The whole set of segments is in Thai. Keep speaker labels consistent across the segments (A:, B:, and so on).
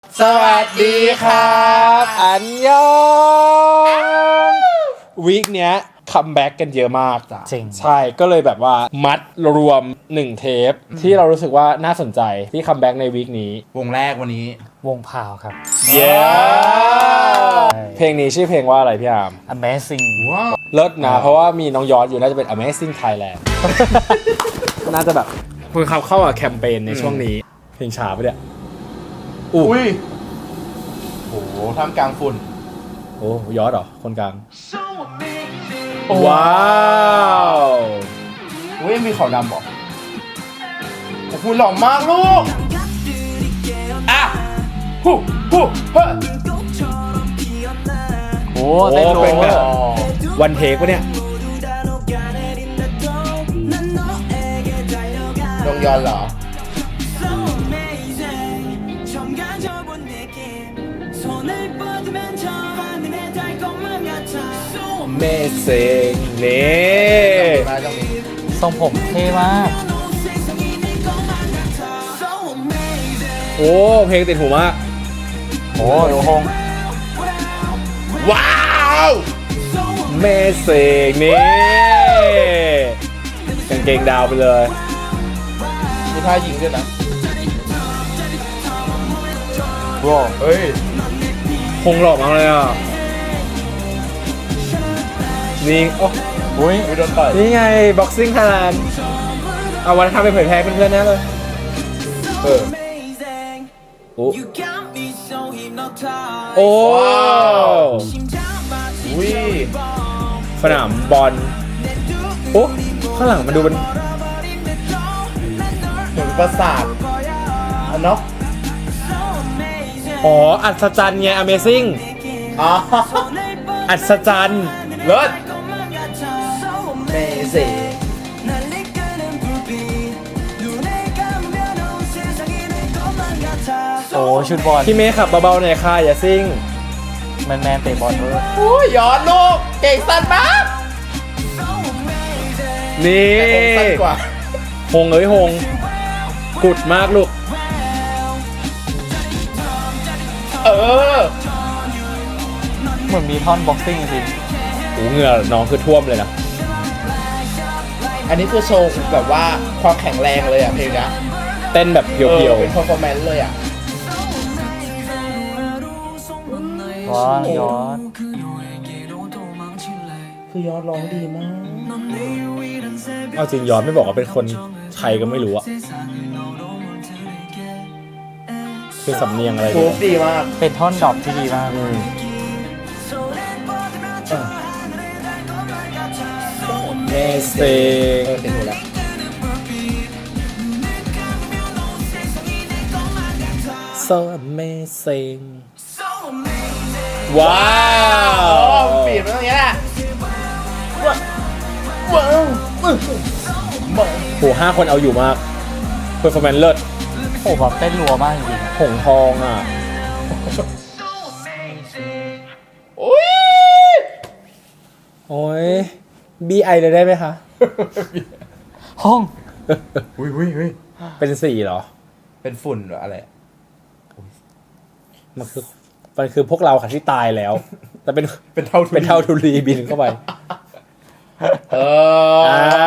A: สวัสดีครับอันยองวีคเนี้ยคัมแบ็กกันเยอะมาก
B: จริง
A: ใช่ก็เลยแบบว่ามัดรวม1เทปที่เรารู้สึกว่าน่าสนใจที่คัมแบ็กในวีคนี้
C: วงแรกวันนี้
B: วงพาวครับ
A: เย้เพลงนี้ชื่อเพลงว่าอะไรพี่อาร์ม
B: Amazing
C: ว้าว
A: เลิศนะเพราะว่ามีน้องยอดอยู่น่าจะเป็น Amazing Thailand น่าจะแบบคุณเขาเข้ากับแคมเปญในช่วงนี้เพลงช้าไปะเนี่ย
C: อุ้ยโอ้โหท่ามกลางฝุ่น
A: โอ้ยอดเหรอคนกลางว้าว
C: อุ้ยมีขาวดำเหรอโอ้โหหล่อมากลูกอ่ะฮู้ฮู้เฮ้ย
B: โอ้เต้นโล
A: เป็นแบบ
B: ว์
A: วันเทควะเนี่ย
C: ดงยอนเหรอ
A: เมเซงนี่
C: มาตรงนี้
B: ทรงผมเท่มาก
A: โอ้เพลงติดหูมาก
B: โอ้ดูฮง
A: ว้าวเมเซงนี่กางเกงดาวไปเลย
C: มีท่ายิงด้วยนะ
B: โว้
C: เฮ้ย
A: คงหล่อมากเลยอ่ะนี่โอ้
B: อุ้ย
C: อุ้ยโดนต่อย
A: นี่ไง Boxing Thailand เอาวันทำไปเผยแพร่เพื่อนๆแน่เลยโอ้โอ้
C: อุ้ย
A: สนามบอลโอ้ข้างหลังมันดูเป็น
C: เหมือนประสาทอ่ะเนาะ
A: อ๋ออัศจรรย์ไง Amazing
C: อ๋อ
A: อัศจรรย์
C: เลิศเมเซ่
B: โอ้ชุดบอล
A: พี่เมย์ขับเบาๆหน่อยค่ะอย่าซิ่ง
B: แมนเตะบอลด้วย
C: อุ้ยย้อนลูกเก่งสั้นมาก
A: นี่
C: แต่คงสั้นกว่า
A: หงเอ้ยหงกุดมากลูก
C: เออ
B: เหมือนมีท่อนบ็อกซิ่งจริง
A: โอ้เหงื่อน้องคือท่วมเลยนะ
C: อันนี้คือโชว์แบบว่าความแข็งแรงเลยอ่ะเพลงเนี้ย
A: เต้นแบบเพียว
C: เป็น performance เลยอ่ะ
B: ว้าวยอด
C: คือยอดร้องดีมาก
A: ๆเอาจริงย้อนไม่บอกว่าเป็นคนไทยก็ไม่รู้อะคือสำเนียงอะไร
C: โูฟดีมาก
B: เป็นท่อนดรอปที่ดีมาก
A: เมเซง
C: เต็มหมดแล้ว
A: so amazing ว้า
C: อ๋อ
A: ว
C: ปีดมันตรงนี้แหละว้าว
A: โห5 คนเอาอยู่มาก performance เลิศ
B: โอ้แบบเต้นรัวมากจริง
A: หงทองอ่ะ
C: อุ้ย
A: โอ้ย BI เลยได้ไหมคะ
B: ๆห้อง
C: อุ้ยอุ้ยอุ้ย
A: เป็นสีเหรอ
C: เป็นฝุ่นหรืออะไร
A: มันคือพวกเราค่ะที่ตายแล้ว แต่เป็น
C: เป็นเท่า
A: เป็นเท่าทุลีบินเข้าไป
C: เออ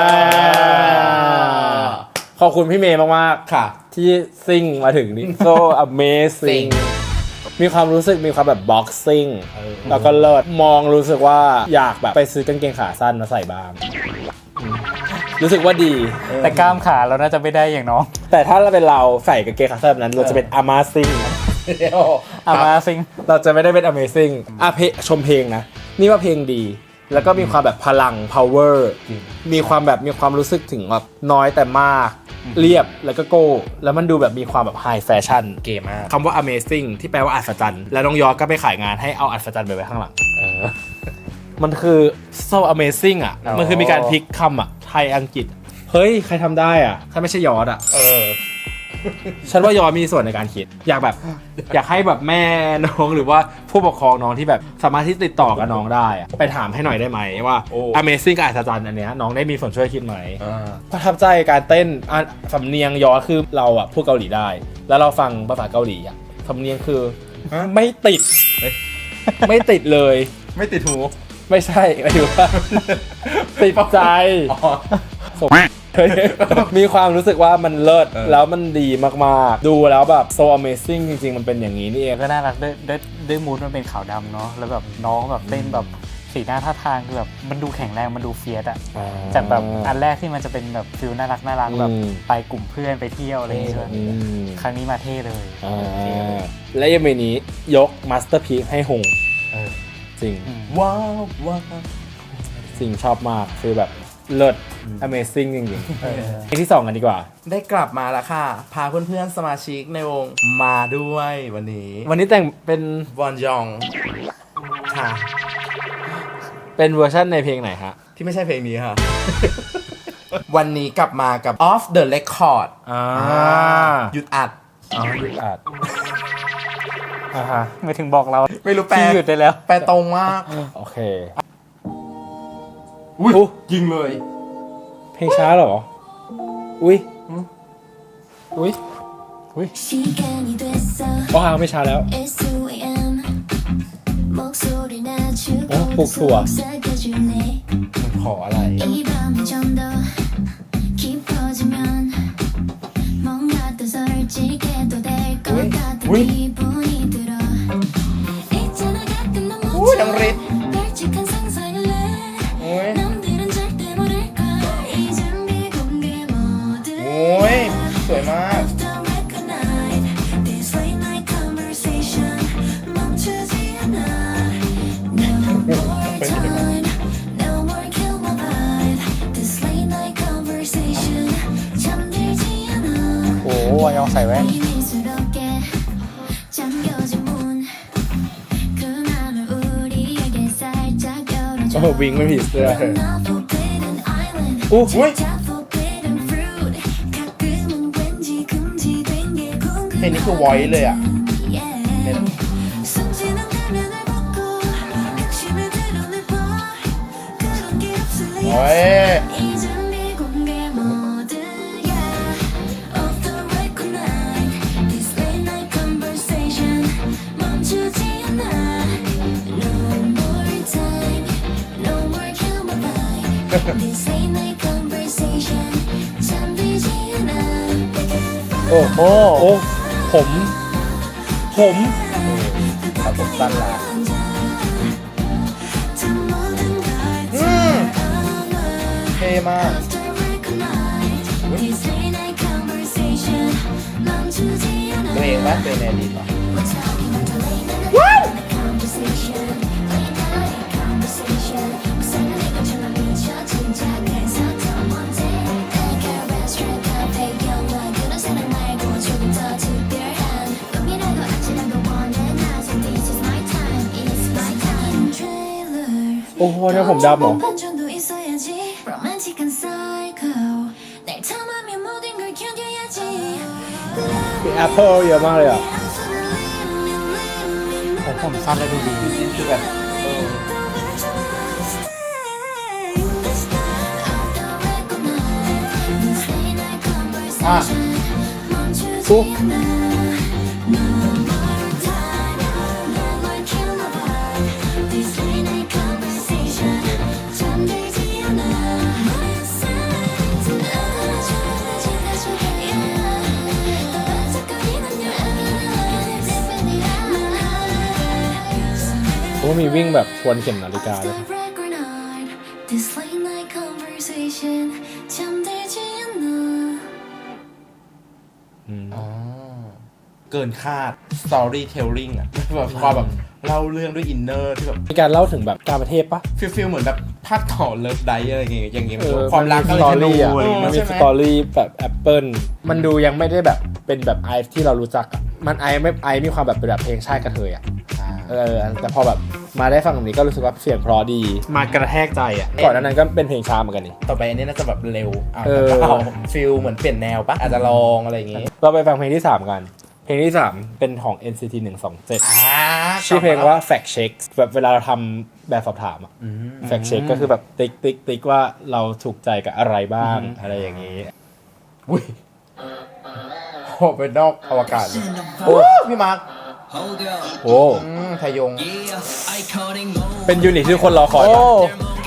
A: ขอบคุณพี่เมย์มาก
C: ค่ะ
A: ๆ ที่ซิ่งมาถึงนี่ so amazing มีความรู้สึกมีความแบบ boxing แล้วก็เลิศมองรู้สึกว่าอยากแบบไปซื้อกางเกงขาสั้นมาใส่บ้าง รู้สึกว่าดี
B: แต่กล้ามขาเราน่าจะไม่ได้อย่างน้อง
A: แต่ถ้าเราเป็นเราใส่กางเกงขาสั้นแบบนั้น เราจะเป็น amazing
C: เดี๋ยว
B: อามาซิง
A: เราจะไม่ได้เป็น amazing ชมเพลงนะ นี่ว่าเพลงดี แล้วก็มีความแบบพลัง power มีความแบบมีความรู้สึกถึงแบบน้อยแต่มาก เรียบแล้วก็โก้ แล้วมันดูแบบมีความแบบ high fashion
C: เก๋มาก
A: คำว่า amazing ที่แปลว่าอัศจรรย์ แล้วน้องยอร์กก็ไปขายงานให้เอาอัศจรรย์ไปไว้ข้างหลัง มันคือ so amazing อ่ะ
B: อ๋อ
A: มันคือมีการพลิกคำอ่ะ ไทยอังกฤษ เฮ้ย ใครทำได้อ่ะ ถ้าไม่ใช่ยอร์ดอ่ะ
C: เออ
A: ฉันว่ายอร์ดมีส่วนในการคิด อยากแบบ อยากให้แบบแม่น้องหรือว่าผู้ปกครองน้องที่แบบสามารถที่ติดต่อกับน้องได้อะไปถามให้หน่อยได้ไหมว่า
C: โอ้
A: amazing กับอัศจรรย์อันเนี้ยน้องได้มีส่วนช่วยคิดไหม
C: อ่า
A: ประทับใจการเต้นสำเนียงยอร์ดคือเราอ่ะพูดเกาหลีได้ แล้วเราฟังภาษาเกาหลีอ่ะสำเนียงคือไม่ติด ไม่ติดเลย
C: ไม่ติดหู
A: ไม่ใช่หมายถึงว่า ติดใจ
C: อ๋อ
A: มีความรู้สึกว่ามันเลิศแล้วมันดีมากๆ ดูแล้วแบบ so amazing จริงๆ มันเป็นอย่างนี้นี่เอง
B: ก็น่ารักด้วยมูดมันเป็นขาวดำเนาะแล้วแบบน้องแบบเต้นแบบสีหน้าท่าทางคือแบบมันดูแข็งแรงมันดูเฟียสอะจากแบบอันแรกที่มันจะเป็นแบบฟิลน่ารักแบบไปกลุ่มเพื่อนไปเที่ยวอะไรอย่างเงี้ยครั้งนี้มาเท่เลย
A: และยังมีนี้ยก masterpiece ให้หงจริง
C: ว้าวว้าว
A: จริงชอบมากคือแบบเลิศ amazing จริงๆเพลงที่ 2 กันดีกว่า
C: ได้กลับมาแล้วค่ะ พาเพื่อนๆสมาชิกในวงมาด้วยวันนี้
A: วันนี้แต่งเป็น
C: วอนยองค่ะ
A: เป็นเวอร์ชันในเพลงไหนฮะ
C: ที่ไม่ใช่เพลงนี้ค่ะ วันนี้กลับมากับ Off the Record หยุดอัด
A: หยุดอัดฮะ
B: ไม่ถึงบอกเรา
C: ไม่รู้แปล
B: ที่หยุดได้แล้ว
C: แปลตรงมาก
A: โอเค
C: อุ้ยยิงเลย
A: เพลงช้าเหรอ อุ้ยอุ้ยว้าวไม่ช้าแล้ว โอ้ปลูกถั่ว
C: มันขออะไร อุ้ยอุ้ยดังริดอุ้ยโอ้ยสวยมาก
B: โอ้วายองใส่แว่น
A: โอ้โหวิงไม่ผิดเสื้อ
C: อุ้ยเพลงนี้คือ voice เลยอ่ะโอ้ย
A: โอ้โหโอ้ผม
C: ตัดผมสั้นละเท่มากเพลงไหมเพลงแนวดีป่ะ
A: โอ้โหเนี่ยผมดำเหรอ มีแอปเปิลเยอะมากเลยอ่ะ
B: ผมสั้นแล้วดูดี
C: คือแบบ
A: ปุ๊บโอ้มีวิ่งแบบทวนเข็มนาฬิกาเลย
C: เกินคาด storytelling อ่ะแบบความแบบเล่าเรื่องด้วยอินเนอร์ที่แบบ
A: มีการเล่าถึงแบบการประเทศปะ
C: ฟิลเหมือนแบบภาคต่อเลิฟไดอะไรอย่างเงี้ยอย่างเงี้ยความรัก
A: ก็
C: ก็
A: เล
C: เลย ย
A: สตอรี่อ่ะ มันมี
C: ใช่ไห
A: สตอรี่แบบแอปเปิลมันดูยังไม่ได้แบบเป็นแบบไอที่เรารู้จักอ่ะมันไอมีความแบบเป็นแบบเพลงชาติกระเทยอ่ะแต่พอแบบมาได้ฟังตรงนี้ก็รู้สึกว่าเสียงเพราะดีมากระแทกใจอ่ะก่อนหน้านั้นก็เป็นเพลงช้าเหมือนกันนี่
C: ต่อไปอันนี้น่าจะแบบเร็วเอาฟิลเหมือนเปลี่ยนแนวปะอาจจะลองอะไรอย่างงี้
A: เราไปฟังเพลงที่ 3 กัน เพลงที่ 3 เป็นของ NCT 127 ชื่อเพลงว่า Fact Check แบบเวลาเราทำแบบสอบถามอะ Fact Check ก็คือแบบติ๊กว่าเราถูกใจกับอะไรบ้างอะไรอย่างนี้
C: อุ้ยโหเป็นนอกอวกาศเลยโอ้พี่มาร์ค
A: โอ้
C: ไทยง
A: เป็นยูนิตที่ทุกคนรอคอย
B: โอ้
A: ปะ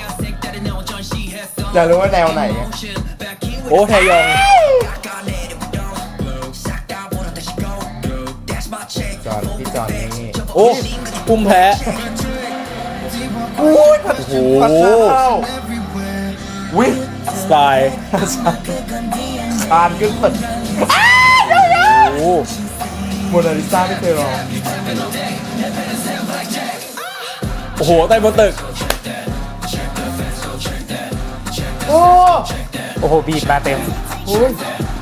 C: อยากรู้ว่าแนวไหนอะ
A: โอ้แทยอง
C: พี่จอนนี่
A: โอ้พุ่มแพ้
C: อุ้ยผัด
A: โอ้โห
C: ผัดชาข้าววิ
A: สไตล์
C: ทานขึ้นตึก
A: โอ้
C: โมนาลิซาไม่เคยร้อง
A: โอ้โหใต้บนตึก
C: โอ้
B: โอ้โหบีดมาเต็ม
C: อุ๊ย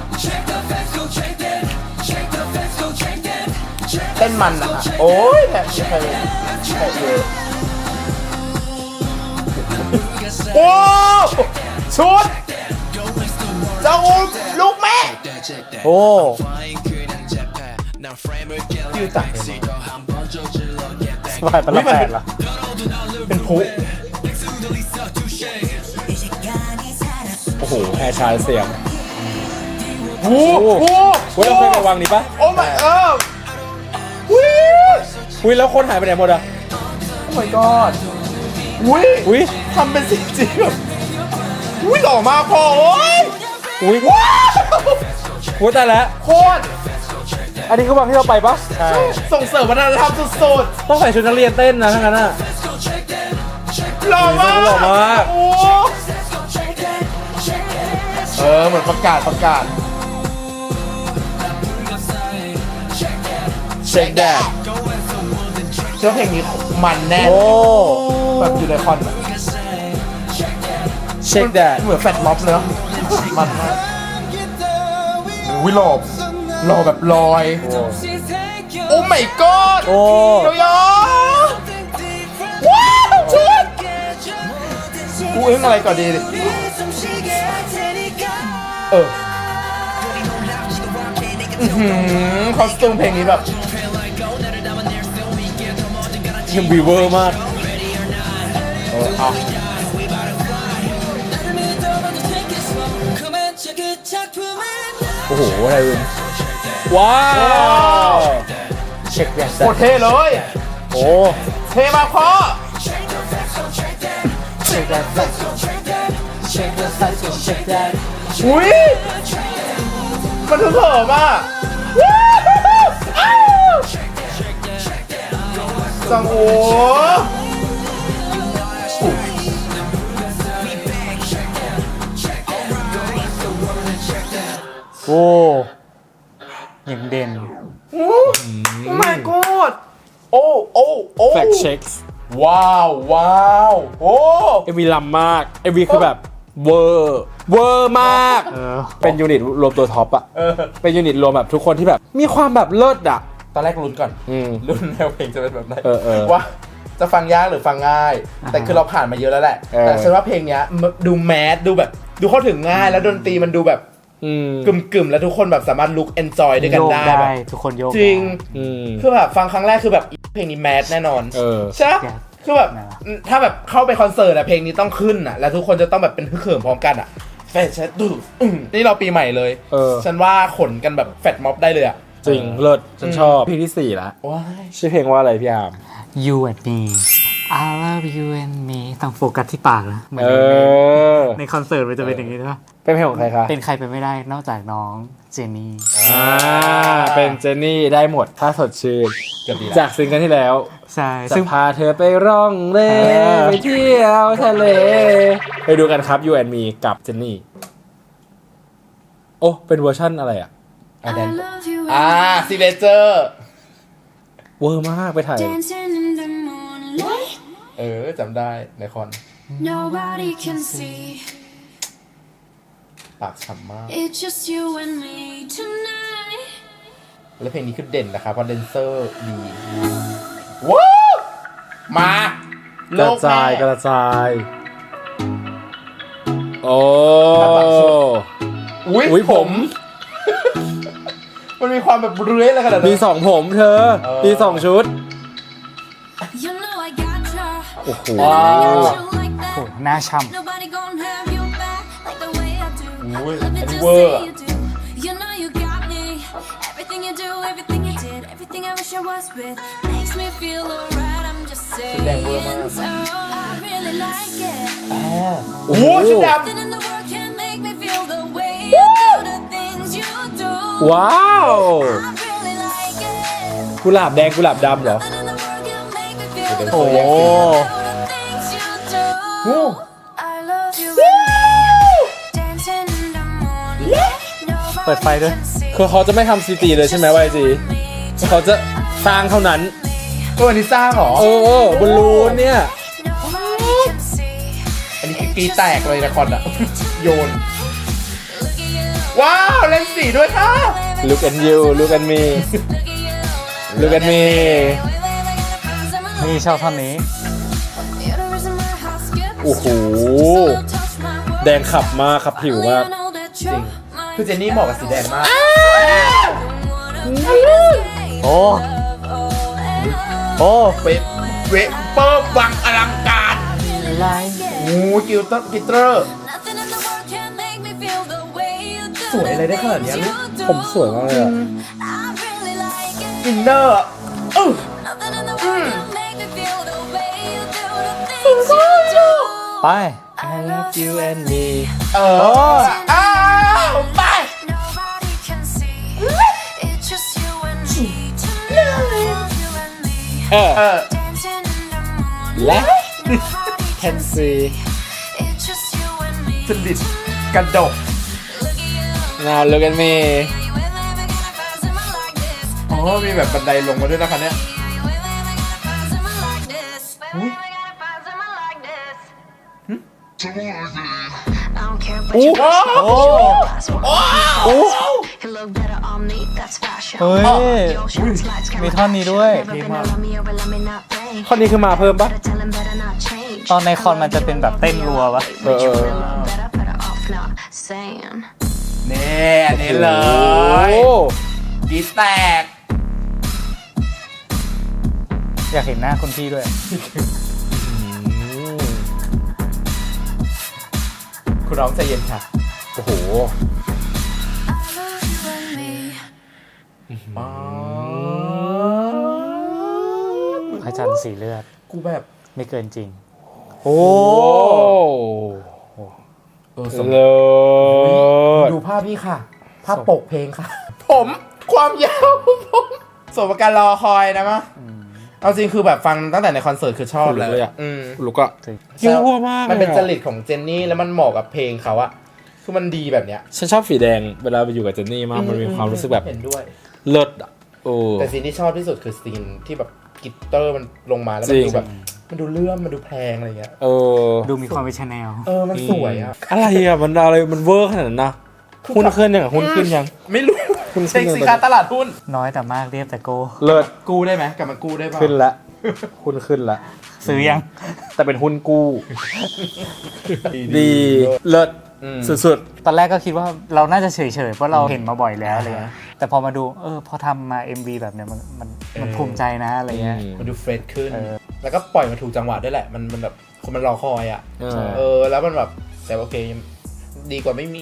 C: เต้นมันอะโอ้ยแผลใครเยอะโอ้ชุดเจ้าอุ้มลูกแม่
B: โอ้
C: ที่รู้จักเลย
B: สบายตลอดแปดเหรอ
C: เป็นผู้
A: โอ้โหแฮร์ชายเสียง
C: ผู้
A: เว้ยเราเคยไปวังนี้ปะ
C: โอ้ my วิ
A: อุ้ยแล้วคนหายไปไหนหมดอะ
C: โอ้ my god วิ
A: อุ้ย
C: ทำเป็นจริงๆแบบวิหล่อมากพอโอ้ย
A: อุ้ย
C: ว้าว
A: โอ้ยแต่แล้ว
C: โคตร
A: อันนี้คือวังที่เราไปปะใช่
C: ส่งเสริมวัฒนธรรมสุด
A: ต้องใส่ชุดนักเรียนเต้นนะทั้งนั้นอะ
C: ๆหล่อมาก
A: หล่อมาก
C: โอ้เหมือนประกาศ
A: เช็คแดด
C: เชื่อเพลงนี้มันแน่
A: โอ้
C: แบบอยู่ในคอนอะ
A: เช็คแดด
C: เหมือนแฟตม็อบเนอะมันมากวิหล่อแบบลอย โอ้ my god
A: โอ้
C: เดี๋ยวยอว้าวชุดกูเอ็งอะไรก่อนดีดิคอสตูมเพลงนี้แบบ
A: ยังบีเวอร์มาก
C: เอา
A: โอ้โหอะไรเว้ยว้าว
B: เช็คแดด
C: โคตรเท่เลย
A: โอ้
C: เท่มากพ่ออุ้ยมันถึงเถิมอ่ะว้าวจังโอ้
B: โอ้ยังเด่น
C: my god โอ้
A: แฟกเช็ค
C: ว้าวโอ้
A: เอวีลำมากเอวีคือแบบเวอร์มาก เป็นยูนิตรวมตัวท็อปอะเป็นยูนิตรวมแบบทุกคนที่แบบมีความแบบเลิศอะ
C: ตอนแรกลุ้นก่อน
A: อืม
C: ลุ้นแนวเพลงจะเป็นแบบไหน
A: เออ
C: ว่าจะฟังยากหรือฟังง่าย แต่คือเราผ่านมาเยอะแล้วแหละ แต่ฉันว่าเพลงเนี้ยดูแมสดูแบบดูเข้าถึงง่ายแล้วดนตรีมันดูแบบ
A: อืม
C: กึ่มแล้วทุกคนแบบสามารถลุกเอนจอยด้วยกัน
B: โยก
C: ได้
B: ได้
C: แบบ
B: ทุกคนโยก
C: จริง
A: อืม
C: คือแบบฟังครั้งแรกคือแบบเพลงนี้แมสแน่นอน
A: เออ
C: ใช่ปะ
B: แจ๊ส
C: คือแบบ
B: ไหนวะ
C: ถ้าแบบเข้าไปคอนเสิร์ตอะเพลงนี้ต้องขึ้นอะแล้วทุกคนจะต้องแบบเป็นฮึกเหิมพร้อมกันอะแฟชั่นดูนี่เราปีใหม่เลย
A: เออ
C: ฉันว่าขนกันแบบแฟตม็อบได้เลยอะ
A: จริงเลิศฉันชอบเพลงที่ 4ละ
C: ว้าย
A: ชื่อเพลงว่าอะไรพี่อาร์ม
B: You and me I love you and me ต้องโฟกัสที่ปากนะเหมือน
A: เออ
B: ในคอนเสิร์ตมันจะเป็นอย่างนี้ใช่ปะ
A: เป็นเพลงของใครคะ
B: เป็นใครไปไม่ได้นอกจากน้องเจนนี่
A: เป็นเจนนี่ได้หมดถ้าสดชื่น
C: เกือบดี
A: จากซิงเกิลที่แล้ว
B: ใช่
A: จะ
B: ซึ่ง
A: พาเธอไปร่องเล่ไปเที่ยวทะเล ไปดูกันครับ You and Me กับเจนนี่ โอ้ เป็นเวอร์ชั่นอะไรอ่ะ
C: ซิเนเจอร์
A: เวอร์มากไปถ่าย
D: Dancing in the moonlight,
C: จำได้ในคอน
D: nobody can see.
C: ปากฉ่ำมาก
D: It's just you and me tonight.
C: แล้วเพลงนี้คือเด่นนะคะเพราะแดนเซอร์ดีว้าวมาก
A: ระจายกระจาย โอ้
C: อุ้ยผม มันมีความแบบเรื้อยอะไรขนาด
A: มี
C: นั้น
A: 2 ผมเธอ มี 2 ชุด
D: You know I got ya.
A: โอ้โห
D: I got you like
B: โอ้
D: that.
B: หน้าช่
D: Nobody gonna have you back like the way I do.
C: Ui,
D: I love it
C: anh
D: just
C: Vơ
D: say
C: à?
D: you do. You know you got me. Everything you do, everything you did, everything I wish wish I was with. Makes me feel alright, I'm just saying. So I really like it.
C: โอ้โหชุดด
D: Nothing in the world can make me feel the way you do the things you do.
A: ว้าว
D: I really like it.
A: กุหลาบแดงกุหลาบดำเหรอ
D: Nothing in the world can make me feel the
B: โอ้
D: way
B: โห
D: you do the things you do.
C: ำโอ้
D: I love you when we dancing in the morning.
B: เปิดไฟด้วย
A: คือเขาจะไม่ทำซีจีเลยใช่ไหมวายจีเขาจะสร้างเท่านั้น
C: อันนี้สร้างเหรอ
A: บอลลูนเนี่ย
D: Nobody can see.
C: อันนี้คือกรีดแตกเลยนะคอนอะ โยน ว้าว เล่นสีด้วยค่ะ
A: Look at you Look at me Look at me
B: นี่ชอบท่อนนี้
A: โอ้โห แดงขับมากขับผิวมาก
C: จริง คือเจนนี่เหมาะกับสีแดงมาก
B: โอ้โอ้
C: เวฟเวฟเปิร์วังอลังการ
B: ไล
C: โอ้กิลเตอร์กิเตอร์ สวยอะไรได้ขนาดเนี้ยลูก
A: ผมสวยมากเลยอะ
C: อินเนอร์
B: ไป
A: I love you and me
C: เอออ้าวไป
D: Nobody can see. It's just you and me tonight. You and me
A: เออ
D: dancing in the morning.
A: และ
D: Nobody
A: can see
D: It's just you and me.
C: จริตกระดก
A: Now look at me
D: We're never gonna find someone like this.
C: อ๋อ มีแบบบันไดลงมาด้วยนะคะเนี่ย
D: We're never gonna find someone like this. We're never gonna find someone like this. I don't care what you
C: โอ้
D: class, what
C: โอ้
D: you look better on me. That's fashion.
B: เฮ้ย
D: Yo, shots, lights,
B: มี
D: camera,
B: ท่อนนี้ด้วย
D: Never been a love me or let me not think.
A: ข้อนี้คือมาเพิ่มปะ
D: Better tell him better not change.
B: ตอนในคอนมันจะเป็นแบบเต้นรัวปะ
D: But you feel better, better off not saying.
C: นี่อันนี้เล
A: โอ้
C: ยกรีดแตก
B: อยากเห็นหน้าคุณพี่ด้วย
C: คุณน้องใจเย็นค่ะ
A: โอ้โห
B: พระจันทร์สีเลือด
C: กูแบบ
B: ไม่เกินจริง โอ้
C: สม
A: เลิศ
C: ดูภาพนี่ค่ะ ภาพปกเพลงค่ะ ผมความยาวผมสมการรอคอยนะมะเอาจริงคือแบบฟังตั้งแต่ในคอนเสิร์ตคือชอบเลย
A: เลยอ่ะ
C: อืม
A: ลูกก็คิ้วหัวมาก
C: มันเป็น
A: ลย
C: จ
A: อะ
C: ริตของเจนนี่แล้วมันเหมาะกับเพลงเขาอะคือมันดีแบบเนี้ย
A: ฉันชอบสีแดงเวลาไปอยู่กับเจนนี่มาก มันมีความรู้สึกแบบ
C: เห็นด้วย
A: เลิศอะโอ้
C: แต่ซีนที่ชอบที่สุดคือซีนที่แบบกิตเตอร์มันลงมาแล้วมัน
A: จริง
C: ดูแบบมันดูเลื่อมมันดูแพงอะไรเงี้ย
A: เออ
B: ดูมีความเป็นชาแนล
C: มันสวยอะ
A: อะไรอะมันอะไรมันเวอร์ขนาดนั้นนะหุ้นขึ้นยังอะหุ้นขึ้นยัง
C: ไม่รู้
A: คุณ
C: เช็คสินค้าตลาดหุ้น
B: น้อยแต่มากเรียบแต่โก
A: เลิศ
C: กู้ได้ไหมกลับมากู้ได้ป่ะ
A: ขึ้นละหุ้นขึ้นละ
B: ซื้อยัง
A: แต่เป็นหุ้นกู้ดีเลิศสุด
B: ตอนแรกก็คิดว่าเราน่าจะเฉยๆ เพราะเราเห็นมาบ่อยแล้วอะไรเงี้ยแต่พอมาดูพอทำมา MV แบบเนี้ยมันภูมิใจนะอะไรเงี้ย
C: มันดูเฟรชขึ้น แล้วก็ปล่อยมาถูกจังหวะด้วยแหละ มันแบบคนมันรอคอยอ่ะ แล้วมันแบบแต่โอเคดีกว่าไม่มี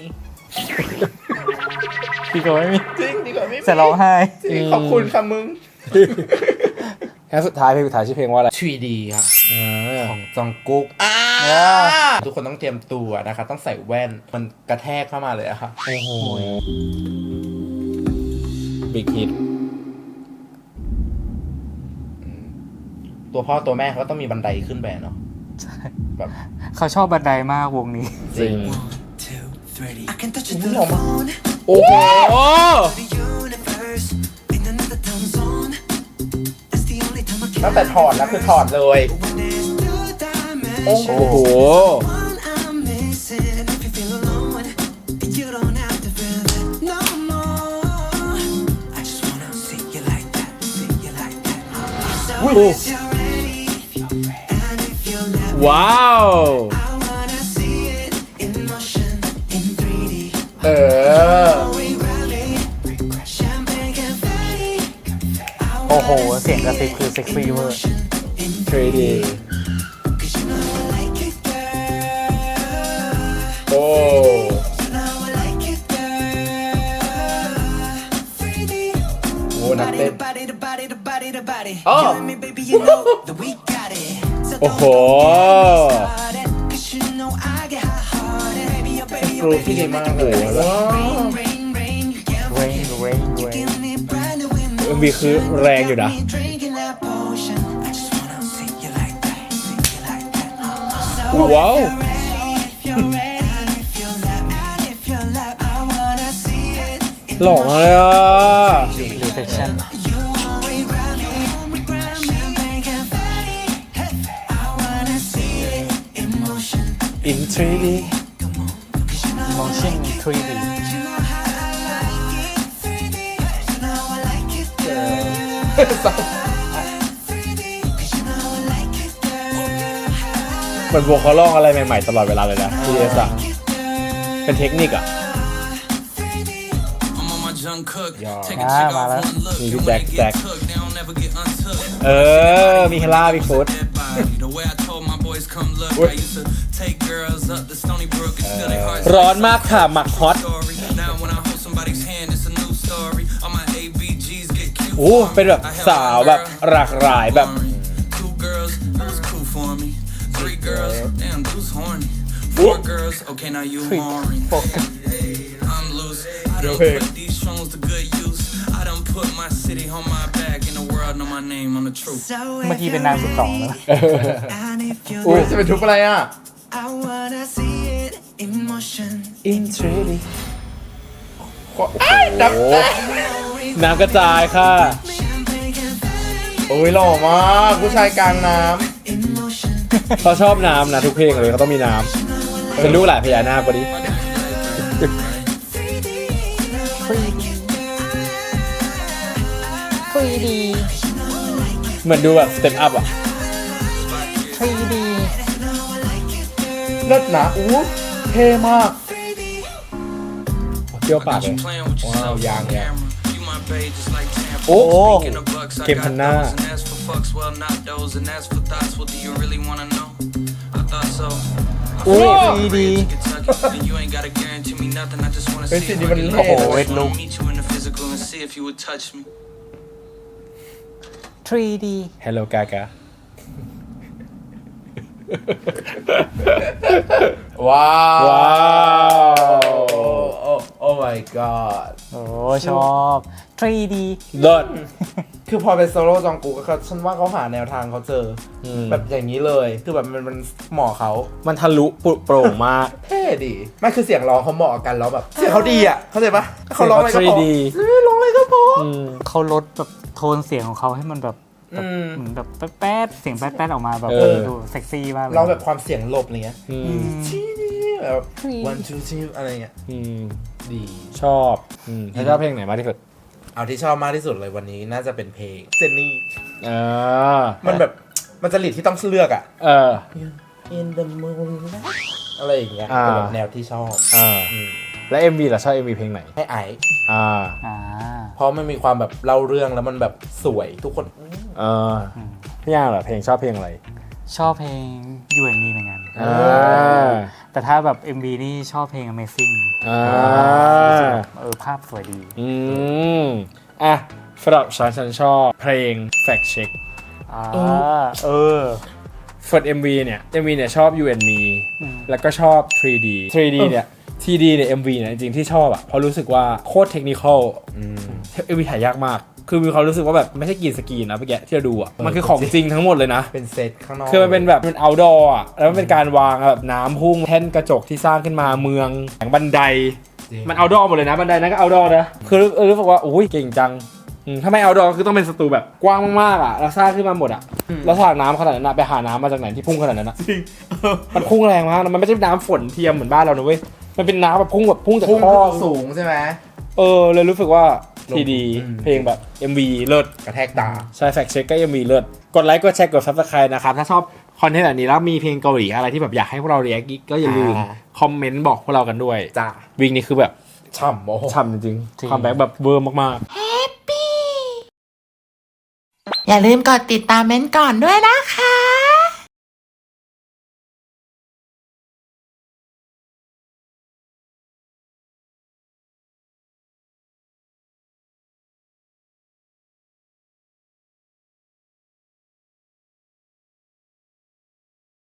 B: พี่ก็ไม่มี
C: จริงดีกว่าไม่มี
B: จะร้องไห้
C: จริงขอบคุณค่ะมึง
A: ๆแค่สุดท้ายเพลงสุดท้ายชื่อเพลงว่าอะไร
C: 3D ค่ะของจองกุ๊กทุกคนต้องเตรียมตัวนะคะต้องใส่แว่นมันกระแทกเข้ามาเลยอะค่ะ
A: โอ้โหบิ๊กฮิต
C: ตัวพ่อตัวแม่เขาก็ต้องมีบันไดขึ้นแบนเนาะแบบ
B: เขาชอบบันไดมากวงนี้
A: จริง
E: I can touch it
C: คุณ
E: through
C: ผู้ช
E: the
C: ม
E: phone.
A: โอ้โห
E: The universe in another time zone. That's the only time I can.
C: ตั้งแต่ถอดแล้วคือถอดเลย
E: When there's two
C: โอ้
E: dimensions,
C: โห
E: one I'm missing. And if you feel alone, you don't have to feel that no more. I just wanna see you like that, see you like that. So
A: Ooh.
E: if you're ready, and if you're left,
A: ว้าว
E: I wanna see it in motion in 3D.
C: เออ
E: We rally, champagne confetti.
B: โอ้โห เสียงกระซิบคือเซ็กซี่เวอร์
A: 3D
E: Cause you know I like it, girl.
C: โอ้
E: You know I like it, girl. 3D.
C: โหนักเต้น
E: Body to body to body about it.
C: Oh.
E: You and me, baby, you know that we got it. So
A: โอ้โห
E: cause you know I get hot-hearted. Baby, oh baby,
C: รู
E: oh
C: ปที่
E: baby,
C: ดี
E: you
C: มาก
E: make
C: เลย
E: it
C: ว้าว
E: rain, rain. You can't
B: rain rain rain
E: give me brand new emotion.
A: MV คือแรงอยู่นะ
E: Got me drinking that potion. I just wanna see you like that, see you like that. So
A: ว้าว
E: if you're ready, if you're ready, if you're love, I wanna see it.
A: หล่อมากเลยอ่ะ
B: reflection
E: You always grab me, champagne confetti. Hey, I wanna see it in motion.
A: in 3D
B: motion 3D
E: You know how I like it, 3D. You know I like it, girl. 3D, 'cause you know I like it, girl.
A: มันบวกเขาลองอะไรใหม่ๆตลอดเวลาเลยนะ TS อ่ะ เป็นเทคนิคอ่ะ
F: I'm on my junk cook. Take a
B: อ่า
F: chick
B: มา
F: off
B: แล้ว
F: one look.
A: มี
F: And
A: พี่
F: when
A: แจ็ค
F: they
A: แจ็ค
F: get took, they don't never get untook.
A: เออ มีเฮล่าบิ๊กฟุต
F: That body, the way I told my boys come look. I used to take girls up the Stony Brook and still they hearts.
A: ร้อนมากค่ะ หมักฮอต
F: Story. Now when I hold somebody's hand, it's a new story. All my ABGs get cute.
A: โอ้
F: for me.
A: เป็นแบบ
F: I held
A: สาว
F: one
A: แบบ
F: girl,
A: หลากหลายแบบ
F: boring. 2 girls, that was cool for me. 3 girls, damn, dude's horny. 4 girls, okay, now you horny. I'm loose. I don't put these songs to good use. I done put my city on my back, and the world know my name on the truth.
E: So
B: เมื่อ
E: if
B: กี้เป็น
E: you're
B: นาง12แล้ว
E: and if you're
C: อุ้ยจะเป็นทุบอะไรอ่ะ
E: I wanna see it in motion.
A: in 3D
C: ดับ
A: โอ้น้ำกระจายค่ะ
E: Champagne confetti
C: โอ้ยหล่อมาก ผู้ชายกลางน้
E: in motion.
A: เขาชอบน้ำนะทุกเพลงเลยเขาต้องมีน้ำ เป็นลูกหลานพญานาคปะดิ
B: 3D
A: เหมือนดูแบบสเต็ปอัพอ่ะ
B: 3D
C: ำเลิศนะอู้เท่มาก
A: เที่ยวปาก
F: Got
A: เล
F: you
A: ย
F: playing with yourself
C: yeah,
F: on
C: yeah.
F: camera. You my babe, just like Tampa.
A: โอ้
F: Speaking of bucks, I
A: Kim
F: got
A: Hana.
F: those, and as for fucks, well, not those, and as for thoughts, well, do you really wanna know? I thought so. I
A: Whoa.
F: flew from
B: 3D
F: Korea to Kentucky, and you ain't gotta guarantee me nothing. I just wanna
C: Hey,
F: see
C: Sydney,
F: if I
C: but
F: can
C: it
F: love you.
B: looks-
F: I just
B: look.
F: wanna meet you in the physical and see if you would touch me.
B: 3D
A: Hello Gaga
C: ว้าว
A: ว้าว
C: โอ้ my god
B: โอ้ชอบ 3D
A: เลิศ
C: คือพอเป็นโซโล่จองกูก็ฉันว่าเขาหาแนวทางเขาเจออแบบอย่างนี้เลย คือแบบมันเหมาะเขา
A: มันทะลุปรุโปร่งมาก
C: เท่ดี ไม่คือเสียงร้องเขาเหมาะกันแล้วแบบเสียงเขาดีอ่ะ เข้าใจปะเขาร้องอะไรก็พอ
A: 3D
C: ร้องอะไรก็พอ
B: เขาลดแบบโทนเสียงของเขาให้มันแบบเหมือนแบบแป๊ดๆเสียงแป๊ดๆออกมาแบบ
A: เออ
B: ดูเซ็กซี่มากเลย
C: ร้องแบบความเสียงหลบอะไรเงี้ย
A: อืม
C: ชี้แบบ one two three อะไรเงี้ย
A: อืม
C: ดี
A: ชอบถ้าชอบเพลงไหนมากที่สุด
C: เอาที่ชอบมากที่สุดเลยวันนี้น่าจะเป็นเพลงเจนนี่
A: เออ
C: มันแบบมันจริตที่ต้องเลือกอ่ะ
A: เออ
C: In the moon อะไรอย่างเงี้ย
A: อ่า
C: เป็นแบบแนวที่ชอบ
A: แล้ว MV ล่ะชอบ MV เพลงไหน
C: ให้ไอ
B: อ่า
C: เพราะมันมีความแบบเล่าเรื่องแล้วมันแบบสวยทุกคน
A: เออพี่ย่างเหรอเพลงชอบเพลงอะไร
B: ชอบเพลง You and Me เหมือนกัน
A: อ่า
B: แต่ถ้าแบบ MV นี่ชอบเพลง Amazing
A: อ่า
B: รู้สึกแบบภาพสวยดี
A: อ่ะสำหรับฉันชอบเพลง Fact Check First MV เนี่ย MV เนี่ยชอบ You and Me แล้วก็ชอบ 3D เนี่ย 3D เนี่ย MV เนี่ยจริงๆที่ชอบอ่ะเพราะรู้สึกว่าโคตรเทคนิคอล MV ถ่ายยากมาก คือมีความรู้สึกว่าแบบไม่ใช่กรีนสกรีนนะเมื่อกี้ที่เราดูอ่ะมันคือของจริงทั้งหมดเลยนะ
C: เป็นเซตข้างนอก
A: คือมันเป็นแบบเป็น outdoor อ่ะแล้วมันเป็นการวางแบบน้ำพุ่งแท่นกระจกที่สร้างขึ้นมาเมืองแผงบันได มัน outdoor หมดเลยนะบันไดนั้นก็ outdoor นะคือรู้สึกว่าโอ้ยเก่งจังถ้าไม่ outdoor คือต้องเป็นสตูแบบกว้างมากๆอ่ะแล้วสร้างขึ้นมาหมดอ่ะแล้วสร้างน้ำขนาดนั้นไปหาน้ำมาจากไหนที่พุ่งขนาดนั้นอ่ะมันพุ่งแรงมากนะมันไม่ใช่น้ำฝนเทียมเหมือนบ้านเรานะเว้ยมันเป็นน้ำแบบพุ่งจาก
C: พุ่ง
A: ท่อ
C: สูงใช่ไหม
A: เลยรู้สึกว่าทีดีเพลงแบบ MV เลิศ
C: กระแทกตา
A: ใช่แฟกเช็คก็ MV เลิศกดไลค์กดแชร์กด Subscribe นะครับถ้าชอบคอนเทนต์แบบนี้แล้วมีเพลงเกาหลีอะไรที่แบบอยากให้พวกเราเรียกก็อย่าลืมคอมเมนต์บอกพวกเรากันด้วย
C: จ้า
A: วิกนี้คือแบบ
C: ช่ำโอ้โห
A: ฉ่ำจริงๆความแบ็คแบบเวอร์มากๆ
G: อย่าลืมกดติดตามเม้นท์ก่อนด้วยนะคะ